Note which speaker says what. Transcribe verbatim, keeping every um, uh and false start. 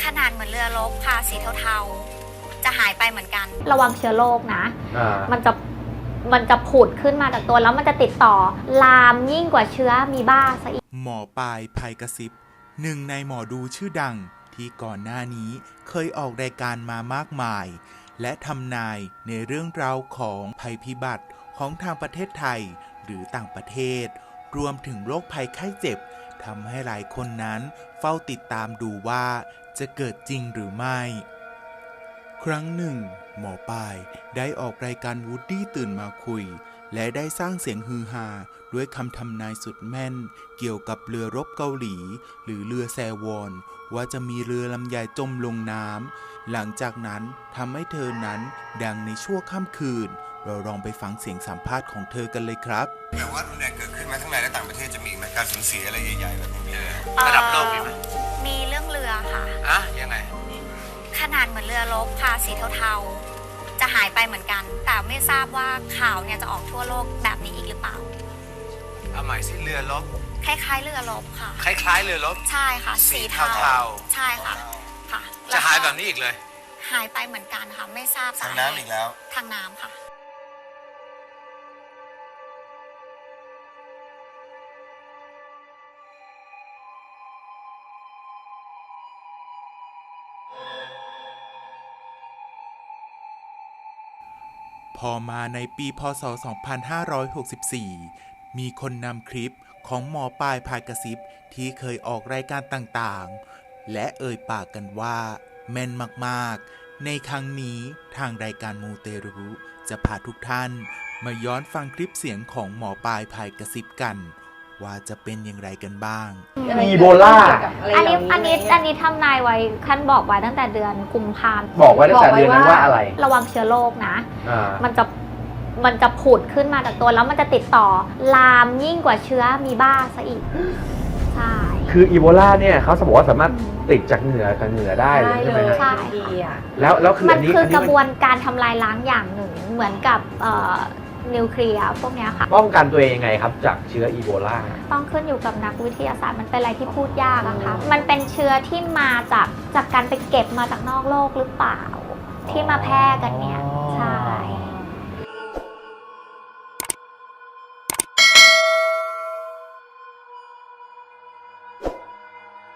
Speaker 1: นาดเหมือนเรือรบค่ะสีเทาๆจะหายไปเหมือนกัน
Speaker 2: ระวังเชื้อโรคนะมันจะมันจะผุดขึ้นมาจากตัวแล้วมันจะติดต่อลามยิ่งกว่าเชื้อมีบ้าซะอีก
Speaker 3: หมอปลายภัยกระซิบหนึ่งในหมอดูชื่อดังที่ก่อนหน้านี้เคยออกรายการมามากมายและทำนายในเรื่องราวของภัยพิบัติของทางประเทศไทยหรือต่างประเทศรวมถึงโรคภัยไข้เจ็บทำให้หลายคนนั้นเฝ้าติดตามดูว่าจะเกิดจริงหรือไม่ครั้งหนึ่งหมอปลายได้ออกรายการวูดดี้ตื่นมาคุยและได้สร้างเสียงฮือฮาด้วยคำทำนายสุดแม่นเกี่ยวกับเรือรบเกาหลีหรือเรือแซวอนว่าจะมีเรือลำใหญ่จมลงน้ำหลังจากนั้นทำให้เธอนั้นดังในชั่วค่ำคืนเราลองไปฟังเสียงสัมภาษณ์ของเธอกันเลยครับ
Speaker 4: แต่ว่ารุนแรงเกิดขึ้นมาทั้งในและต่างประเทศจะมีไหมการสูญเสียอะไรใหญ่ๆแบบนี้
Speaker 1: ระดับโลกมีไหมมีเรื่องเรือค่ะ
Speaker 4: อ่ะยังไง
Speaker 1: ขนาดเหมือนเรือรบค่ะสีเทาๆจะหายไปเหมือนกันแต่ไม่ทราบว่าข่าวเนี่ยจะออกทั่วโลกแบบนี้อีกหรือเปล่า
Speaker 4: เอาใหม่สิเรือรบ
Speaker 1: คล้ายๆเรือรบค่ะ
Speaker 4: คล้ายๆเรือรบ
Speaker 1: ใช่ค่ะสีเทาใช่ค่ะค่ะ
Speaker 4: จะหายแบบนี้อีกเลย
Speaker 1: หายไปเหมือนกันค่ะไม่ทราบ
Speaker 4: ทางน้ำอีกแล้ว
Speaker 1: ทางน้ำค่ะ
Speaker 3: พอมาในปีพ.ศ. สองพันห้าร้อยหกสิบสี่ มีคนนำคลิปของหมอปลายพายกระซิบที่เคยออกรายการต่างๆและเอ่ยปากกันว่าแม่นมากๆในครั้งนี้ทางรายการมูเตรุจะพาทุกท่านมาย้อนฟังคลิปเสียงของหมอปลายพายกระซิบกันว่าจะเป็นอย่างไรกันบ้าง
Speaker 5: อีโบลา
Speaker 2: อันนี้อันนี้อันนี้ทำนายไว้ขั้นบอกไว้ตั้งแต่เดือนกุมภาพันธ์
Speaker 5: บอกไว้ตั้งแต่เดือนนั้นว่าอะไร
Speaker 2: ระวังเชื้อโรคนะมันจะมันจะผุดขึ้นมาจากตัวแล้วมันจะติดต่อลามยิ่งกว่าเชื้อมีบ้าซะอีกใช่
Speaker 5: คืออีโบลาเนี่ยเขาบอกว่าสามารถติดจากเหงื่อกับเหงื่อได้เลยใช่ไหม
Speaker 2: ใช่
Speaker 5: แล้วแล้วคือ
Speaker 2: มันคือกระบวนการทำลายล้างอย่างหนึ่งเหมือนกับนิวเคลียร์พวกนี้ค่ะ
Speaker 5: ป้องกันตัวเองยังไงครับจากเชื้ออีโบลา
Speaker 2: ต้องขึ้นอยู่กับนักวิทยาศาสตร์มันเป็นอะไรที่พูดยากอะค่ะมันเป็นเชื้อที่มาจากจากการไปเก็บมาจากนอกโลกหรือเปล่าที่มาแพร่กันเนี่ยใช่